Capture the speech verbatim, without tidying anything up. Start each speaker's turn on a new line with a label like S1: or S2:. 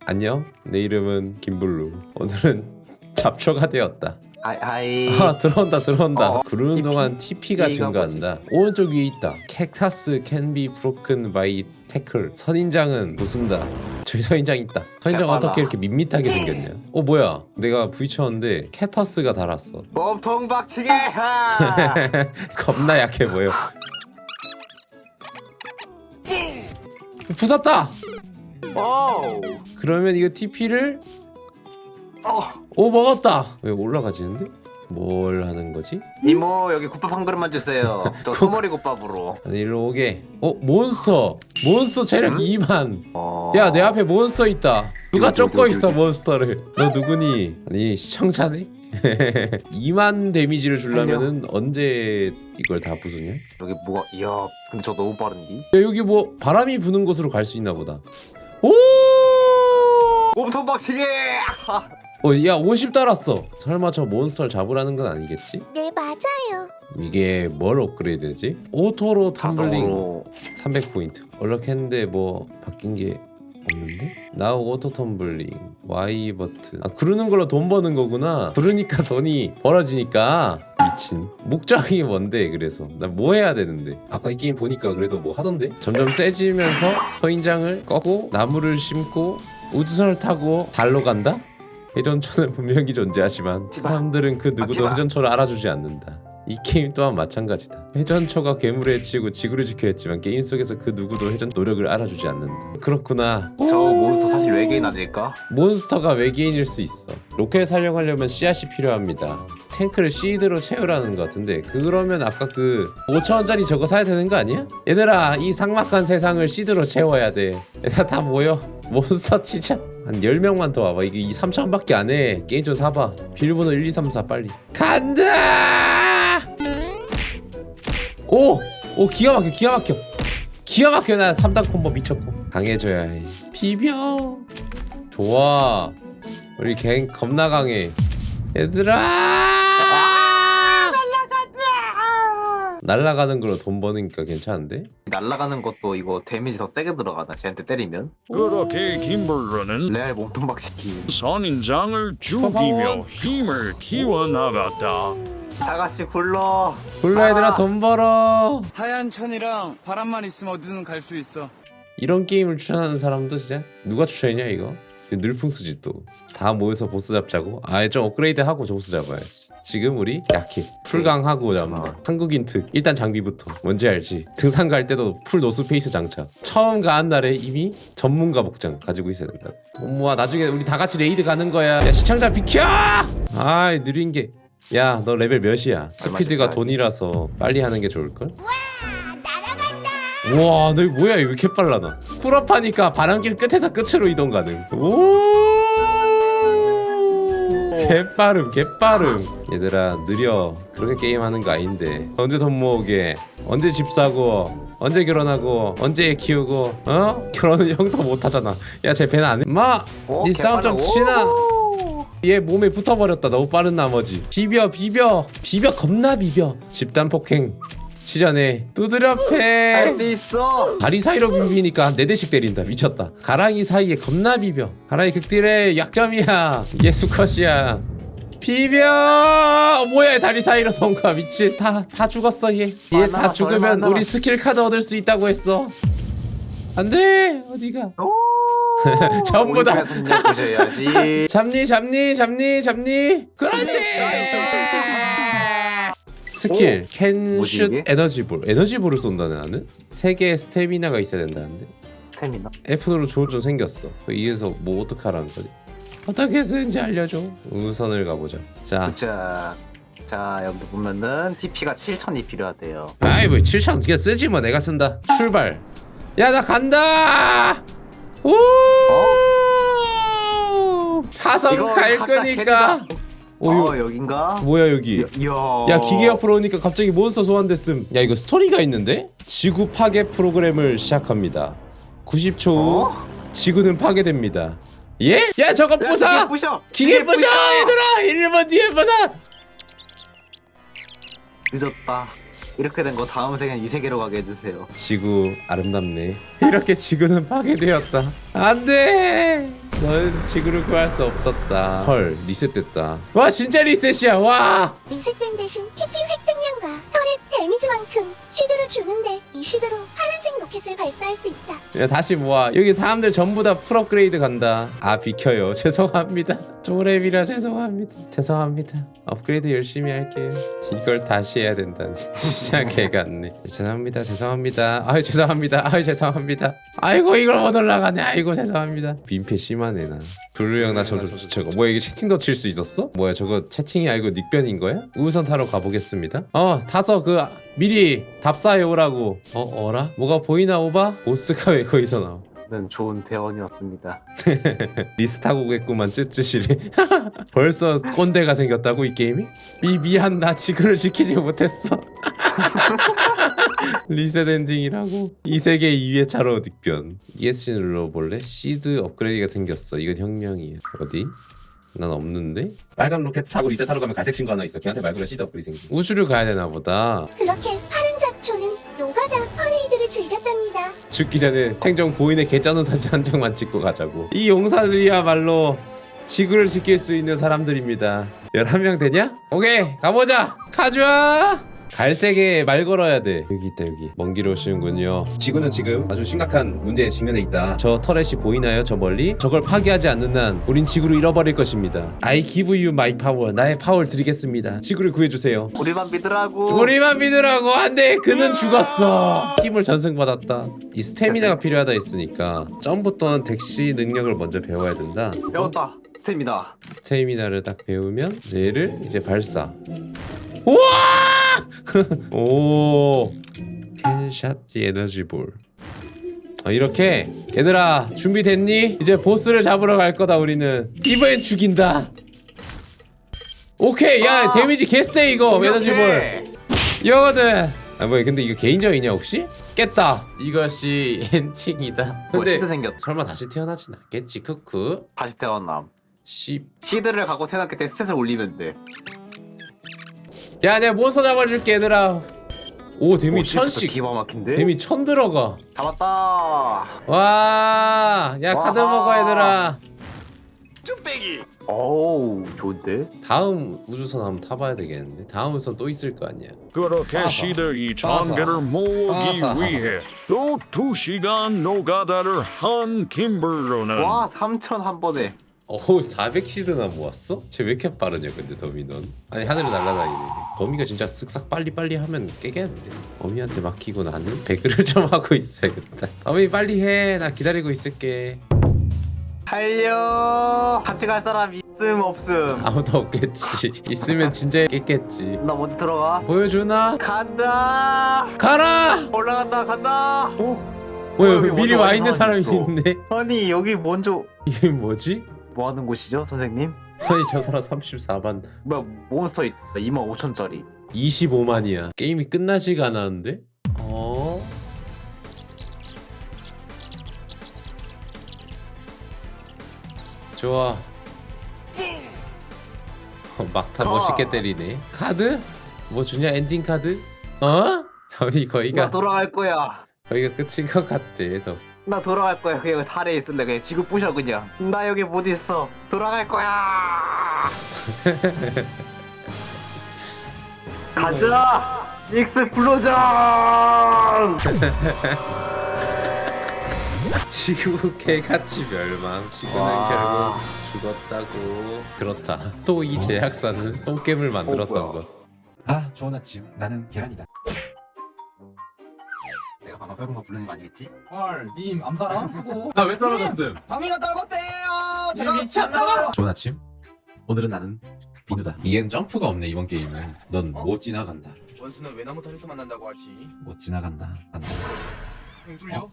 S1: 안녕, 내 이름은 김블루. 오늘은 잡초가 되었다.
S2: 아이 아이.
S1: 아, 들어온다 들어온다.
S2: 어,
S1: 구르는 동안 티피가
S2: 얘가
S1: 증가한다. 오른쪽 위에 있다. 캡타스 can be broken by tackle. 선인장은 부순다. 저기 선인장 있다. 선인장
S2: 개빨라.
S1: 어떻게 이렇게 밋밋하게 생겼냐? 어 뭐야? 내가 부딪혔는데 캡타스가 달았어.
S2: 몸통 박치기. 하!
S1: 겁나 약해 보여. 부쉈다.
S2: 오.
S1: 그러면 이거 티피를
S2: 어.
S1: 오 먹었다. 왜 올라가지는데? 뭘 하는 거지?
S2: 이모 여기 국밥 한 그릇만 주세요. 저 소머리 국밥으로.
S1: 아니 일로 오게. 어 몬스터. 몬스터 체력
S2: 응?
S1: 이만.
S2: 어.
S1: 야 내 앞에 몬스터 있다. 누가
S2: 여기, 여기,
S1: 쫓고
S2: 여기,
S1: 있어
S2: 여기.
S1: 몬스터를. 너 누구니? 아니 시청자네? 이만 데미지를 주려면은 언제 이걸 다 부수냐?
S2: 여기 뭐가? 이야. 근데 저 너무 빠른디?
S1: 야 여기 뭐 바람이 부는 곳으로 갈 수 있나 보다. 오!
S2: 몸통 박치기. 하!
S1: 어, 야 오십 달았어. 설마 저 몬스터를 잡으라는 건 아니겠지?
S3: 네, 맞아요.
S1: 이게 뭘 업그레이드 되지? 오토로 텀블링
S2: 자동으로.
S1: 삼백 포인트. 얼럭했는데 뭐 바뀐 게 없는데? 나우 오토 텀블링 Y 버튼. 아 그러는 걸로 돈 버는 거구나. 그러니까 돈이 벌어지니까. 미친. 목적이 뭔데? 그래서 나 뭐 해야 되는데? 아까 이 게임 보니까 그래도 뭐 하던데? 점점 세지면서 서인장을 꺾고 나무를 심고 우주선을 타고 달로 간다? 회전초는 분명히 존재하지만 사람들은 그 누구도
S2: 맞지마.
S1: 회전초를 알아주지 않는다. 이 게임 또한 마찬가지다. 회전초가 괴물에 치고 지구를 지켜야 했지만 게임 속에서 그 누구도 회전 노력을 알아주지 않는다. 그렇구나.
S2: 저 몬스터 사실 외계인 아닐까?
S1: 몬스터가 외계인일 수 있어. 로켓 사용하려면 씨앗이 필요합니다. 탱크를 시드로 채우라는 것 같은데 그러면 아까 그 오천 원짜리 저거 사야 되는 거 아니야? 얘들아 이 삭막한 세상을 시드로 채워야 돼. 얘들아 다 모여. 몬스터 치자. 한 열 명만 더 와봐. 이게 이 삼천 원밖에 안 해. 게임 좀 사봐. 비밀번호 일 이 삼 사 빨리. 간다! 오! 오 기가 막혀 기가 막혀. 기가 막혀. 나 삼 단 콤보 미쳤고. 강해져야 해. 비벼. 좋아. 우리 갱 겁나 강해. 얘들아! 날아가는 걸로 돈 버니까 괜찮은데?
S2: 날아가는 것도 이거 데미지 더 세게 들어가나? 쟤한테 때리면?
S4: 그렇게 김블루는
S2: 레알 몸통 박치기.
S4: 선인장을 죽이며 힘을 키워나갔다.
S2: 다 같이 굴러.
S1: 굴러 얘들아
S2: 아.
S1: 돈 벌어.
S5: 하얀 천이랑 바람만 있으면 어디든 갈 수 있어.
S1: 이런 게임을 추천하는 사람도 진짜 누가 추천했냐 이거? 늘풍수지 또. 다 모여서 보스 잡자고? 아예 좀 업그레이드하고 보스 잡아야지. 지금 우리 약해. 풀강하고 잡는다. 한국인 특. 일단 장비부터. 뭔지 알지? 등산 갈 때도 풀 노스페이스 장착. 처음 가는 날에 이미 전문가 복장 가지고 있어야 된다. 돈 모아. 나중에 우리 다 같이 레이드 가는 거야. 야 시청자 비켜! 아이 느린 게. 야 너 레벨 몇이야? 스피드가 돈이라서 빨리 하는 게 좋을걸? 우와 너 뭐야 왜 이렇게 빨라 나. 풀업하니까 바람길 끝에서 끝으로 이동 가능. 오 개빠름 개빠름. 얘들아 느려. 그렇게 게임하는 거 아닌데. 언제 돈 모으게, 언제 집 사고, 언제 결혼하고, 언제 애 키우고, 어? 결혼은 형도 못하잖아. 야 쟤 배는 안 해? 마!
S2: 오,
S1: 니 싸움 좀
S2: 개빨라.
S1: 치나?
S2: 오.
S1: 얘 몸에 붙어버렸다. 너무 빠른 나머지. 비벼 비벼 비벼 겁나 비벼. 집단 폭행 시전에 두드려 패.
S2: 할 수 있어.
S1: 다리 사이로 비비니까 한 네 대씩 때린다. 미쳤다. 가랑이 사이에 겁나 비벼. 가랑이 극딜의 약점이야. 이게 수컷이야. 비벼. 어, 뭐야 다리 사이로 통과. 미친. 다, 다 죽었어 얘. 얘 다
S2: 얼마나,
S1: 죽으면
S2: 얼마나.
S1: 우리 스킬 카드 얻을 수 있다고 했어. 안돼 어디가. 전부 다.
S2: 보셔야지.
S1: 잡니 잡니 잡니 잡니. 그렇지. 스킬 캔
S2: 뭐지,
S1: 슛
S2: 이게?
S1: 에너지볼. 에너지볼을 쏜다네 나는. 세 개의 스태미나가 있어야 된다는데.
S2: 스태미나.
S1: F로 좋은 좀 생겼어. 이에서 뭐 어떡하라는 거지? 어떻게 쓰는지 알려줘. 우선을 가보자. 자,
S2: 자, 자 여기 보면은 티피가 칠천이 필요하대요.
S1: 아이 뭐 칠천 그냥 쓰지 뭐. 내가 쓴다. 출발. 야 나 간다. 오. 사성
S2: 이거
S1: 갈
S2: 가짜
S1: 거니까. 오,
S2: 어
S1: 요,
S2: 여긴가?
S1: 뭐야 여기?
S2: 이야.
S1: 야 기계 옆으로 오니까 갑자기 몬스터 소환됐음. 야 이거 스토리가 있는데? 지구 파괴 프로그램을 시작합니다. 구십 초 후
S2: 어?
S1: 지구는 파괴됩니다. 예? 야 저거
S2: 야,
S1: 부숴!
S2: 기계 부셔.
S1: 기계 부셔 얘들아! 일 분 뒤에 보자!
S2: 늦었다. 이렇게 된 거 다음 생엔 이 세계로 가게 해주세요.
S1: 지구 아름답네. 이렇게 지구는 파괴되었다. 안돼. 넌 지구를 구할 수 없었다. 헐, 리셋됐다. 와, 진짜 리셋이야. 와.
S3: 리셋된 대신 티피 획득량과 터렛 데미지만큼 쉬드로 주는데 이 쉬드로 파란색 로켓을 발사할 수 있다.
S1: 야, 다시 모아. 여기 사람들 전부 다 풀 업그레이드 간다. 아, 비켜요. 죄송합니다. 쪼렙이라 죄송합니다. 죄송합니다. 업그레이드 열심히 할게요. 이걸 다시 해야 된다니. 진짜 개같네. 죄송합니다. 죄송합니다. 아유, 죄송합니다. 아유, 죄송합니다. 아이고, 이걸 못 올라가네. 아이고, 죄송합니다. 민폐 심하네, 나. 블루 형, 나 저거 저거 뭐야, 이게 채팅도 칠 수 있었어? 뭐야, 저거 채팅이 아니고 닉변인 거야? 우선 타러 가보겠습니다. 어, 타서 그 미리 답사해 오라고. 어, 어라? 뭐가 보이나 오바? 보스가 왜 거기서 나와?
S2: 는 좋은 대원이었습니다.
S1: 리스트하고 오겠구만. 쯔쯔시리. 벌써 꼰대가 생겼다고 이 게임이? 미 미안, 나 지구를 지키지 못했어. 리셋 엔딩이라고. 이 세계 이 회차로 닉변. 이에스씨 눌러볼래? 시드 업그레이드가 생겼어. 이건 혁명이야. 어디? 난 없는데? 빨간 로켓 타고 리셋하러 가면 갈색 친구 하나 있어. 걔한테 말 걸어. 시드 업그레이드 생긴. 우주를 가야 되나 보다.
S3: 그렇게 파란 잡초는 노가다 퍼레이드를 즐겼답니다.
S1: 죽기 전에 생존 고인의 개쩌는 사진 한 장만 찍고 가자고. 이 용사들이야말로 지구를 지킬 수 있는 사람들입니다. 열한 명 되냐? 오케이, 가보자. 가져와. 갈색에 말 걸어야 돼. 여기 있다, 여기. 먼 길 오시는군요. 지구는 지금 아주 심각한 문제에 직면해 있다. 저 터렛이 보이나요? 저 멀리? 저걸 파괴하지 않는 한 우린 지구를 잃어버릴 것입니다. I give you my power. 나의 파워를 드리겠습니다. 지구를 구해주세요.
S2: 우리만 믿으라고.
S1: 우리만 믿으라고. 안돼, 그는 죽었어. 힘을 전승받았다. 이 스태미나가 필요하다 했으니까 점프 또는 대시 능력을 먼저 배워야 된다.
S2: 배웠다. 스텝이다.
S1: 스태미나를 딱 배우면 이제 얘를 이제 발사. 우와! 오, 캔샷 에너지볼. 어, 이렇게 얘들아 준비됐니? 이제 보스를 잡으러 갈 거다. 우리는 이번엔 죽인다. 오케이. 야,
S2: 아!
S1: 데미지 개쎄 이거. 에너지볼
S2: 오케이.
S1: 이거거든. 아, 뭐야, 근데 이거 개인적이냐 혹시? 깼다. 이것이 엔딩이다.
S2: 뭐
S1: 근데
S2: 시드 생겼.
S1: 설마 다시 태어나진 않겠지. 크크.
S2: 다시 태어남.
S1: 씨.
S2: 시드를 갖고 태어났기 때문에 스탯을 올리면 돼.
S1: 야, 내가 몬스터 잡아줄게 얘들아. 오, 데미 천씩.
S2: 기가 막힌데.
S1: 데미 천 들어가.
S2: 잡았다.
S1: 와, 야, 카드
S2: 와.
S1: 먹어 얘들아.
S2: 오우 좋은데.
S1: 다음 우주선 한번 타봐야 되겠는데. 다음 우주선 또 있을 거 아니야.
S4: 그렇게
S1: 빠사.
S4: 시드 이
S1: 빠사.
S4: 천 개를 모으기
S1: 빠사.
S4: 위해 또 두 시간 노가다를 한 김블루는
S2: 와 삼천 한 번에.
S1: 어우, 사백 시드나 모았어? 쟤 왜 이렇게 빠르냐 근데 더미 넌. 아니, 하늘을 날아다니네. 더미가 진짜 쓱싹 빨리빨리 하면 깨겠는데. 더미한테 맡기고 나는 배그를 좀 하고 있어야겠다. 더미 빨리 해. 나 기다리고 있을게.
S2: 달려. 같이 갈 사람 있음 없음.
S1: 아무도 없겠지. 있으면 진짜 깼겠지.
S2: 나 먼저 들어가.
S1: 보여주나?
S2: 간다.
S1: 가라!
S2: 올라간다. 간다.
S1: 어,
S2: 어,
S1: 여기
S2: 여기
S1: 미리
S2: 먼저
S1: 와
S2: 와서
S1: 있는 사람이
S2: 있어.
S1: 있네.
S2: 아니 여기 먼저
S1: 이게 뭐지?
S2: 뭐 하는 곳이죠, 선생님?
S1: 아니, 저 사람 삼십사만.
S2: 뭐야 몬스터 있다. 이만 오천짜리.
S1: 이십오만이야. 게임이 끝나지가 않았는데? 어? 좋아. 어, 막타 멋있게 때리네. 카드? 뭐 주냐? 엔딩 카드? 어? 저희
S2: 나
S1: 거기가
S2: 돌아갈 거야.
S1: 거기가 끝인 것 같대. 너.
S2: 나 돌아갈 거야. 그냥 달에 있을래. 그냥 지구 부셔 그냥. 나 여기 못 있어. 돌아갈 거야. 가자. 익스플로전.
S1: 지구 개같이 멸망. 지구는
S2: 와.
S1: 결국 죽었다고. 그렇다. 또 이 제약사는 똥겜을 만들었던
S2: 어, 뭐야.
S1: 것.
S6: 아, 좋은 아침. 나는 계란이다.
S2: 내가 방금 빼본 거 부르는 거 아니겠지?
S6: 헐, 님 암사람 수고.
S1: 아, 왜 떨어졌음?
S6: 다미가 떨궜대요. 제가
S1: 미쳤나봐.
S6: 좋은 아침. 오늘은 나는 비누다.
S1: 이엔 점프가 없네 이번 게임은. 넌 못 지나간다.
S5: 원수는 외나무 털에서 만난다고 하지.
S6: 못 지나간다. 안다.
S5: 뚫려?